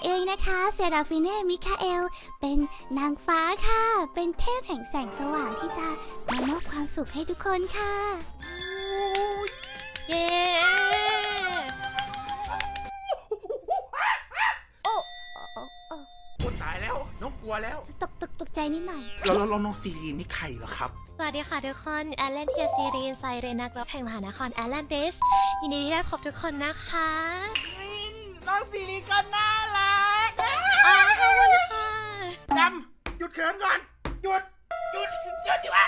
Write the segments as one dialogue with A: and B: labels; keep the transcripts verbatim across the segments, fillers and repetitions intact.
A: เองนะคะเซราฟิเน่มิคาเอลเป็นนางฟ้าค่ะเป็นเทพแห่งแสงสว่างที่จะมามอบความสุขให้ทุกคนค่ะ
B: เย้
A: โอ้โอ้โอ้
C: โอ้ตายแล้วน้องกลัวแล้ว
A: ตกตกตกใจนิดหน่อย
C: แล้วแล้วน้องซีรีนนี่ใครเหรอครับ
B: สวัสดีค่ะทุกคนแอลเลนเทียซีรีนไซเรนักรบแห่งมหานครแอลเลนติสยินดีที่ได้พบทุกคนนะคะ
C: น้องซีรีนก็น่ารัก
B: อ๋อขอบคุณค่ะ
C: ดำหยุดเขินก่อนหยุดหยุดหยุดจิวะ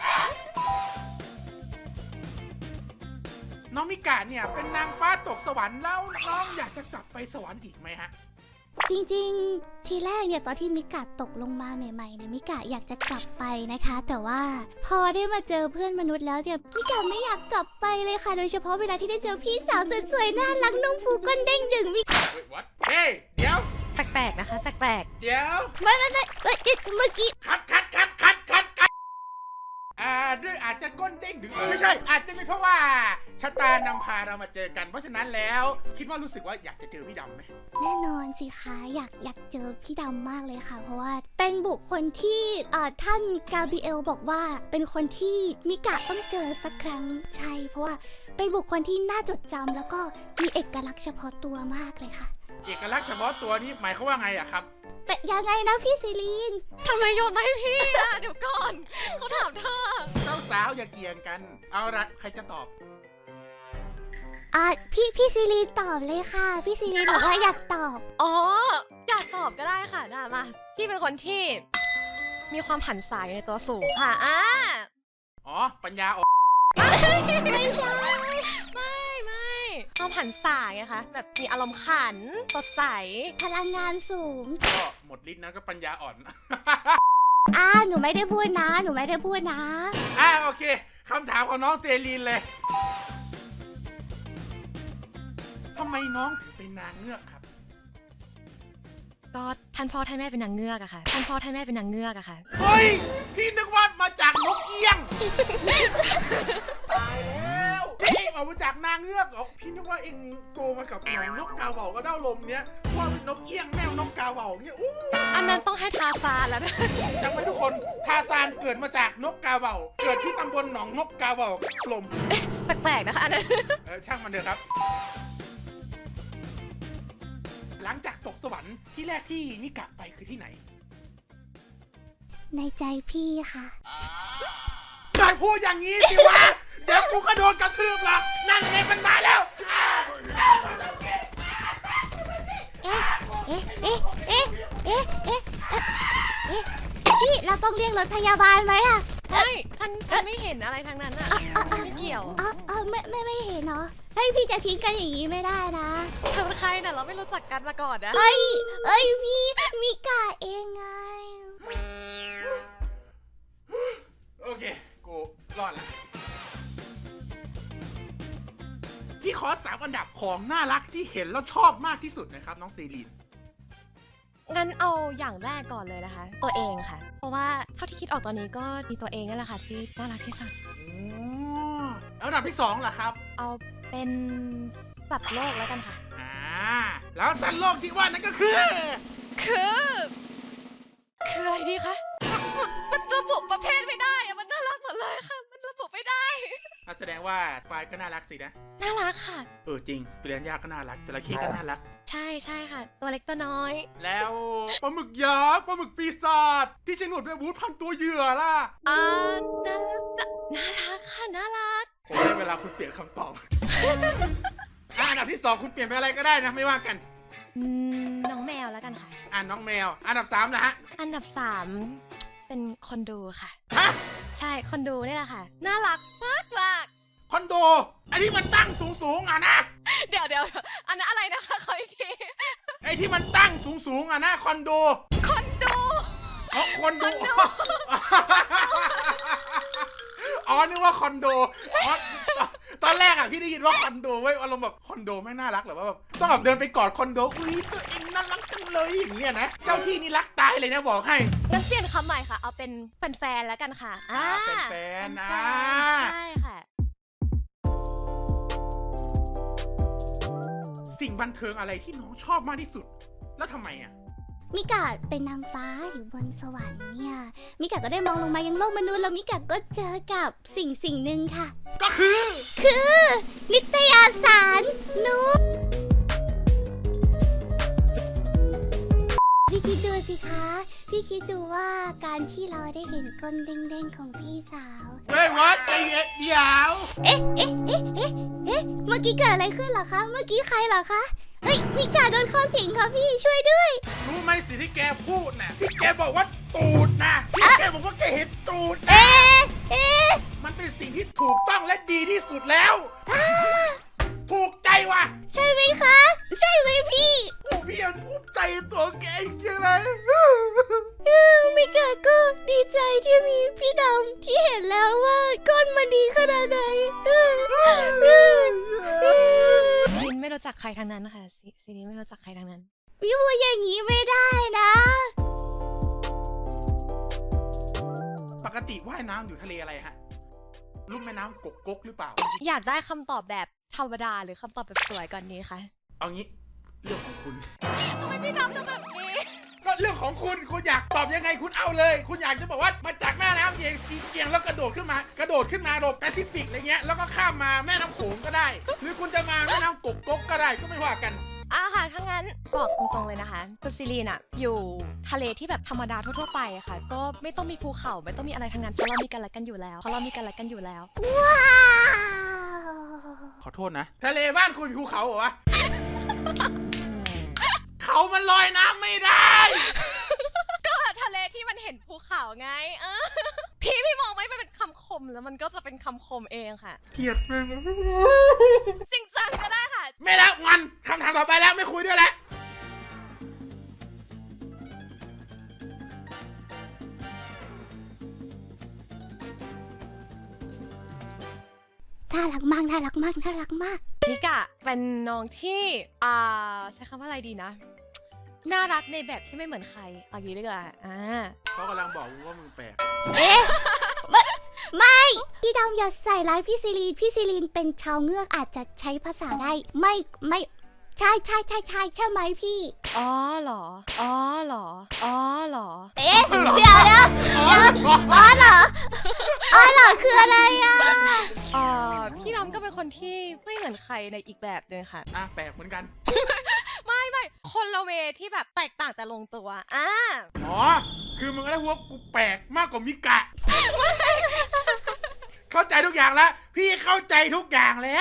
C: น้องมิกะเนี่ยเป็นนางฟ้าตกสวรรค์แล้วน้องอยากจะกลับไปสวรรค์อีกไหมฮะ
A: จริงๆทีแรกเนี่ยตอนที่มิกะตกลงมาใหม่ๆเนี่ยมิกะอยากจะกลับไปนะคะ แต่ว่าพอได้มาเจอเพื่อนมนุษย์แล้วเนี่ยมิกะไม่อยากกลับไปเลยค่ะโดยเฉพาะเวลาที่ได้เจอพี่สาวสวยๆน่ารักนุ่มฟูก้นเด้งดึงมิ
C: เฮ้ย what เฮ้ยเดี๋ยว
B: แปลกๆนะคะแปลก
C: เดี๋ยว
A: ไม่ไม่ไม่เอ้ยเมื่อกี้
C: คัดคัดคัดคัดคัดคัดอ่าด้วยอาจจะก้นเด้งดึงไม่ใช่อาจจะเป็นเพราะว่าชะตานำพาเรามาเจอกันเพราะฉะนั้นแล้วคิดว่ารู้สึกว่าอยากจะเจอพี่ดำไหม
A: แน่นอนสิคะอยากอยากเจอพี่ดำมากเลยค่ะเพราะว่าเป็นบุคคลที่อ่าท่านกาเบรียลบอกว่าเป็นคนที่มิกะต้องเจอสักครั้งใช่เพราะว่าเป็นบุคคลที่น่าจดจำแล้วก็มีเอกลักษณ์เฉพาะตัวมากเลยค่ะ
C: เอกลักษณ์เฉพาะตัวนี้หมายเขามว่าไงอะครับ
A: แต่ยังไงนะพี่ซิลีน
B: ๆทำไมโยนมาให้พี่อ่ะเดี๋ยวก่อนเขาถามเธอ
C: เจ้าสาวอย่าเกี่ยงกัน เอาละใครจะตอบ
A: อ่ะพี่พี่ซิลีนตอบเลยค่ะ พี่ซิลีนบอกว่าอยากตอบ
B: อ๋ออยากตอบก็ได้ค่ะได้มาพี่เป็นคนที่มีความผันสายในตัวสูงค่ะอ่า
C: อ๋อ ปัญญาอ่อน
A: ไม่ใช่
B: ไม่ไม่ความผันสายไงคะแบบมีอารมณ์ขันสดใส
A: พลังงานสูง
C: ก็หมดฤทธิ์นะก็ปัญญาอ่อน
A: อ่าหนูไม่ได้พูดนะ หนูไม่ได้พูดนะ
C: อ่าโอเคคำถามของน้องเซรีนเลยทำไมน้องถึงเป็นนางเงือกครับ
B: ก็ท่านพ่อท่านแม่เป็นนางเงือกอะค่ะท่านพ่อท่านแม่เป็นนางเงือกอะค่ะ
C: เฮ้ย พี่นึกว่ามาจากนกเอี้ยง ตายแล้วพี่เองออกมาจากนางเงือกเหรอพี่นึกว่าเองโตมากับหนองนกกาเหว่าก็เด้าลมเนี้ยว่าเป็นนกเอี้ยงแมวนกกาเหว่าเนี่ยอู้
B: อันนั้นต้องให้ทาซานแล้วนะ
C: จำไว้ทุกคนทาซานเกิดมาจากนกกาเหว่าเกิดที่ตำบลหนองนกกาเหว่าลม
B: แปลกๆนะคะอันนั้น
C: เออช่างมันเถอะครับ หลังจากตกสวรรค์ที่แรกที่มิกะไปคือที่ไหน
A: ในใจพี่ค่ะ
C: ได้พูดอย่างนี้สิวะ เดี๋ยวกูก็โดนกระทืบละนั่นไงมันมาแล้ว
A: เอ๊ะ เอ๊ะ เอ๊ะ เอ๊ะ เอ๊ะ เอ๊ะ เอ๊ะ พี่เราต้องเรียกรถพยาบาลไหมอะ
B: ไม่ฉันฉันไม่เห็นอะไรทั้งนั้นอะไม่เกี่ยว
A: อ๋ออ๋อไม่ไม่ไม่เห็นเนาะเฮ้ยพี่จะทิ้งกันอย่างนี้ไม่ได้นะ
B: เธอเป็นใครน่ะเราไม่รู้จักกันมาก่อนนะ
A: เอ้ย เอ้ยพี่มิกาเองไง
C: โอเค กูรอดละพี่ขอสามอันดับของน่ารักที่เห็นแล้วชอบมากที่สุดนะครับน้องซีรีน
B: งั้นเอาอย่างแรกก่อนเลยนะคะ ตัวเองค่ะ เพราะว่าเท่าที่คิดออกตอนนี้ก็มีตัวเองนั่นแหละค่ะที่น่ารักที่สุด
C: โอ้แล้วอันดับที่สองล่ะครับ
B: เอาเป็นสัตว์โลกแล้วกันค่ะ
C: อ่า แล้วสัตว์โลกที่ว่านั่นก็คือ
B: คือ คืออะไรดีคะมันระบุประเภทไม่ได้อะมันน่ารักหมดเลยค่ะ มันระบุไม่ได้
C: อ่ะแสดงว่าควายก็น่ารักสินะ
B: น่ารักค่ะ
C: เออจริงเปลี่ยนยากก็น่ารักจระเข้ก็น่ารัก
B: ใช่ใช่ค่ะ ตัวเล็กตัวน้อย
C: แล้วปลาหมึกยักษ์ปลาหมึกปีศาจที่ใช้หนวดแบบบูธพันตัวเหยื่อล่ะ
B: อ่าน่ารักน่ารักค่ะน่ารัก
C: ผมให้เวลาคุณเปลี่ยนคำตอบ อ่ะอันดับที่สองคุณเปลี่ยนไปอะไรก็ได้นะไม่ว่ากัน
B: อืมน้องแมวแล้วกันค่ะ
C: อ่าน้องแมว อันดับสามนะฮะ
B: อันดับสามเป็นคนดูค่ะ
C: ฮะ
B: ใช่คนดูนี่แหละค่ะ น่ารักมากมาก
C: คอนโด อันนี้มันตั้งสูงสูงๆอ่ะนะ
B: เดี๋ยวเดี๋ยวอันนั้นอะไรนะคะขออีกที
C: ไอ้ที่มันตั้งสูงสูงๆอ่ะนะคอนโด
B: คนดู
C: อ๋อคอนโด อ๋อนึกว่าคอนโดอ๋อตอนแรกอ่ะพี่ได้ยินว่าคอนโดเว้ยอารมณ์แบบคอนโดไม่น่ารักหรอว่าแบบต้องแบบเดินไปกอดคอนโดอุ้ยตัวเองน่ารักจังเลยอย่างเงี้ยนะเจ้าที่นี่รักตายเลยนะบอกให้
B: งั้นเปลี่ยนคำใหม่ค่ะ เอาเป็นแฟนๆแล้วกันค่ะ
C: อ่าแฟนๆนะ
B: ใช่ค่ะ
C: สิ่งบันเทิงอะไรที่น้องชอบมากที่สุดแล้วทำไมอ่ะ
A: มิกะเป็นนางฟ้าอยู่บนสวรรค์เนี่ยมิกะก็ได้มองลงมายังโลกมนุษย์แล้วมิกะก็เจอกับสิ่งสิ่งหนึ่งค่ะ
C: ก็คือ
A: คือนิตยสารนุ๊กพี่คิดดูสิคะ พี่คิดดูว่าการที่เราได้เห็นก้นเด้งๆของพี่สาว
C: เฮ้ยวัดใจเย็นเดี๋ยว
A: เอ๊ะเอ๊ะเอ๊ะเอ๊ะเอ๊ะเมื่อกี้เกิดอะไรขึ้นเหรอคะ เมื่อกี้ใครเหรอคะ เฮ้ยมิกะโดนเข้อสิงค่ะพี่ช่วยด้วย
C: รู้ไหมสิ่งที่แกพูดน่ะที่แกบอกว่าตูดนะที่แกบอกว่าแกเห็นตูดนะ
A: เอ๊ะเอ๊ะ
C: มันเป็นสิ่งที่ถูกต้องและดีที่สุดแล้ว ถูกใจว่ะ
A: ใช่ไหมคะ ใช่ไหมพี่
C: โอ้พี่ยังภูมิใจตัวแกจริงๆเลย
A: เออมิกะก็ดีใจที่มีพี่ดำที่เห็นแล้วว่าก้นมันดีขนาดไหนเออเออเออ
B: ลินไม่รู้จักใครทั้งนั้นค่ะซีซีรีไม่รู้จักใครทั้งนั้น
A: พี่พูดอย่างนี้ไม่ได้นะ
C: ปกติว่ายน้ำอยู่ทะเลอะไรฮะลุ่มแม่น้ำกกกกหรือเปล่า
B: อยากได้คำตอบแบบธรรมดาหรือคำตอบแบบสวยก่อนนี้คะ
C: เอางี้เรื่องของคุณ
B: ทำไมพี่ดำทำแบบนี้
C: ก็เรื่องของคุณคุณอยากตอบยังไงคุณเอาเลย คุณอยากจะบอกว่ามาจากแม่น้ำเยียงซีเกียงแล้วกระโดดขึ้นมากระโดดขึ้นมาโดดแปซิฟิกอะไรเงี้ยแล้วก็ข้ามมาแม่น้ำโขงก็ได้ หรือคุณจะมาแม่น้ำกกกกก็ได้ก็ไม่ว่ากัน
B: อ่ะค่ะถ้างั้นบอกตรงๆเลยนะคะคุณซีรีนอะอยู่ทะเลที่แบบธรรมดาทั่วๆไปอะค่ะ ก็ไม่ต้องมีภูเขาไม่ต้องมีอะไรทั้งนั้นเพราะเรามีกันและกันอยู่แล้วเพราะเรามีกันและกันอยู่แล้ว
A: ว้าว
C: ขอโทษนะ ทะเลบ้านคุณมีภูเขาเหรอวะ เขามันลอยน้ำไม่ได้
B: ก็ทะเลที่มันเห็นภูเขาไงเออพี่พี่มองไหมมันเป็นคำคมแล้วมันก็จะเป็นคำคมเองค่ะ
C: เกลียดมึง
B: จริงจังก็ได้ค่ะ
C: ไม่แล้วงอนคำถามต่อไปแล้วไม่คุยด้วยแล้ว
A: น่ารักมากน่ารักมากน่ารักมาก
B: นิกะเป็นน้องที่อ่าใช้คำว่าอะไรดีนะ น่ารักในแบบที่ไม่เหมือนใครเอางี้ดีกว่าอ่า
C: เขากำลังบอกว่ามึงแปลก
A: เอ๊ะไม่ไม่พี่ดำอย่าใส่ร้ายพี่ซิลีนพี่ซิลีนเป็นชาวเงือกอาจจะใช้ภาษาได้ ไม่ไม่ใช่ใช่ใช่ใช่ใช่ไหมพี่
B: อ๋อเหรออ๋อเหรออ๋อเหรอ
A: เอ๊ะเดี๋ยวนะเดี๋ยวอ๋อเหรออ๋อเหรอคืออะไรอ่ะ
B: อ่าพี่น้ำก็เป็นคนที่ไม่เหมือนใครในอีกแบบหนึงค่ะ
C: อ่ะแปลกเหมือนกัน
B: ไม่ไม่คนละเวที่แบบแตกต่างแต่ลงตัวอ่า
C: อ๋อ คือมึงก็ได้หัวากูแปลกมากกว่ามิกะ เข้าใจทุกอย่างแล้ว พี่เข้าใจทุกอย่างแล้ว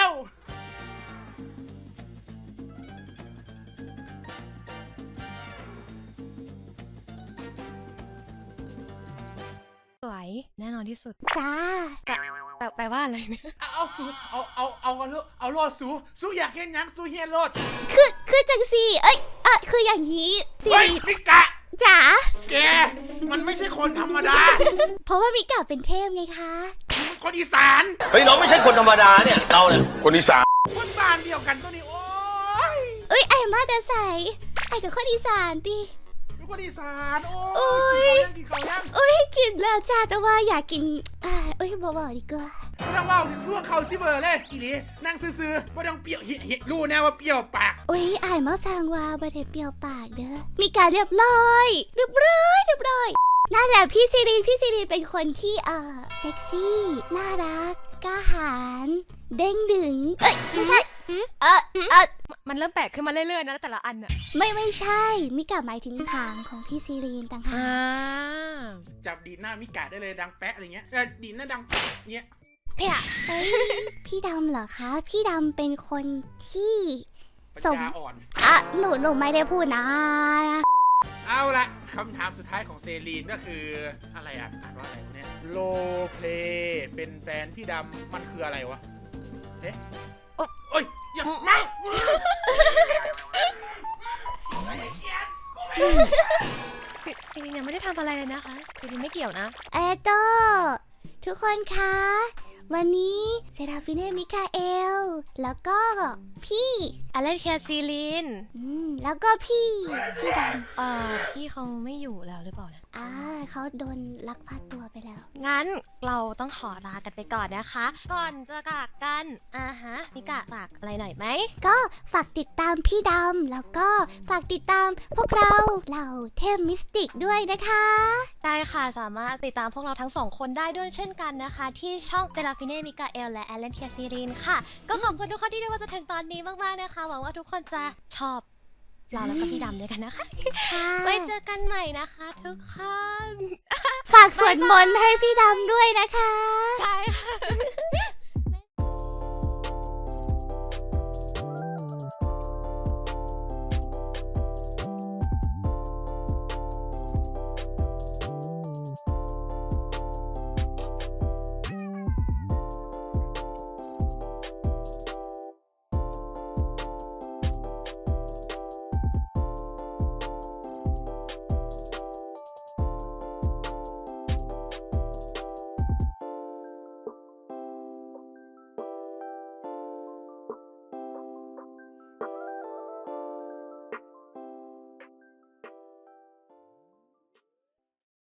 B: สวยแน่นอนที่สุด
A: จ้า
B: แปลแปลว่าอะไรเนี่ย
C: เอาเอาสูเอาเอาเอาเอาเอาเอาโลดสูสูอยากเห็นหยังสูเฮียนโลด
A: คือคือจังสีเอ้ยเออคืออย่างนี้ซิ
C: เฮ้ย
A: ลี
C: มิกะ
A: จ๋า
C: แก มันไม่ใช่คนธรรมดา
A: เพราะว่ามิกะเป็นเทพไงคะ
C: มันคนอีสาน
D: เฮ้ยน้องไม่ใช่คนธรรมดาเนี่ยเราเนี่ยคนอีสาน
C: คนบ้านเดียวกันตัวนี้ โอ้ย
A: เอ้ยไอ้มาแต่ใส่ไอ้กับคนอีสานดิ
C: เป็นคนอีสาน โอ้
A: โอ้
C: ย
A: ย
C: กินข้าวยังกินข้าวยัง
A: เอ้ยกินแล้วจ้าแต่ว่าอยากกินอ่าเอ้ยบอกบอกดีกว่า
C: ไม่ต้องว่าถึงช่วงเขาซิเบอร์เลยอีหลีนั่งซื่อๆไม่ต้องเปรี้ยวเฮ้ยเฮ้ยรู้แน่ว่าเปรี้ยวปาก
A: เอ้ยไอ้มาสั่งว่าบัเทเปรียวปากเด้อมีการเรียบร้อยเรียบร้อยเรียบร้อยนั่นแหละพี่ซีรีพี่ซีรีเป็นคนที่เอ่อเซ็กซี่น่ารักกล้าหาญเด้งดึงเอ้ยไม่ใช่เออเออ
B: มันเริ่มแปลกขึ้นมาเรื่อยๆนะแต่ละอันอะ
A: ไม่ไม่ใช่มิกะหมายถึงหางของพี่ซีรีนต่างหาก
C: จับดีดหน้ามิกะได้เลยดังแปะอะไรเงี้ยแต่ดีดหน้าดังแปะเงี้ย
B: เพี่ย
A: เอ้ยพี่ดำเหรอคะ พี่ดำเป็นคนที่
C: ปัญ
A: สม
C: ญาอ่อน
A: อ่ะหนูหนูไม่ได้พูดนะ
C: เอาละคำถามสุดท้ายของเซรีนก็คืออะไรอ่ะอ่านว่าอะไรวะเนี่ยโลเพลเป็นแฟนพี่ดำมันคืออะไรวะเอ๊ะโอ้โอ้ยอย่ามาไม่ได้เขียนกูไม่ได้เขียน
B: ซีรีนยังไม่ได้ทำอะไรเลยนะคะซีรีนไม่เกี่ยวนะ
A: เอโตทุกคนคะ วันนี้เซราฟิเน่มิคาเอล แล้วก็พี่
B: อเลนเคียซีลิน
A: อืมแล้วก็พี่พี่ด
B: เอ่อพี่เขาไม่อยู่แล้วหรือเปล่านะ
A: ำอ่าเขาโดนลักพาตัวไปแล้ว
B: งั้นเราต้องขอลากันไปก่อนนะคะ ก่อนจะจากกันอ่าฮะมิกะฝากอะไรหน่อยไหม
A: ก็ฝากติดตามพี่ดำแล้วก็ฝากติดตามพวกเราเหล่าเทพมิสติกด้วยนะคะ
B: ได้ค่ะสามารถติดตามพวกเราทั้งสองคนได้ด้วยเช่นกันนะคะ ที่ช่องเซราฟิเน่มิกาเอลและแอลเลนเทียซีรีนค่ะ ก็ขอบคุณทุกคนที่ดูมาจนถึงตอนนี้มากๆนะคะหวังว่าทุกคนจะชอบเราแล้วก็พี่ดำด้วยกันนะคะ
A: ค่ะ
B: ไว้เจอกันใหม่นะคะทุกคน
A: ฝากสวดมนต์ให้พี่ดำด้วยนะคะ
B: ใช่ค่ะ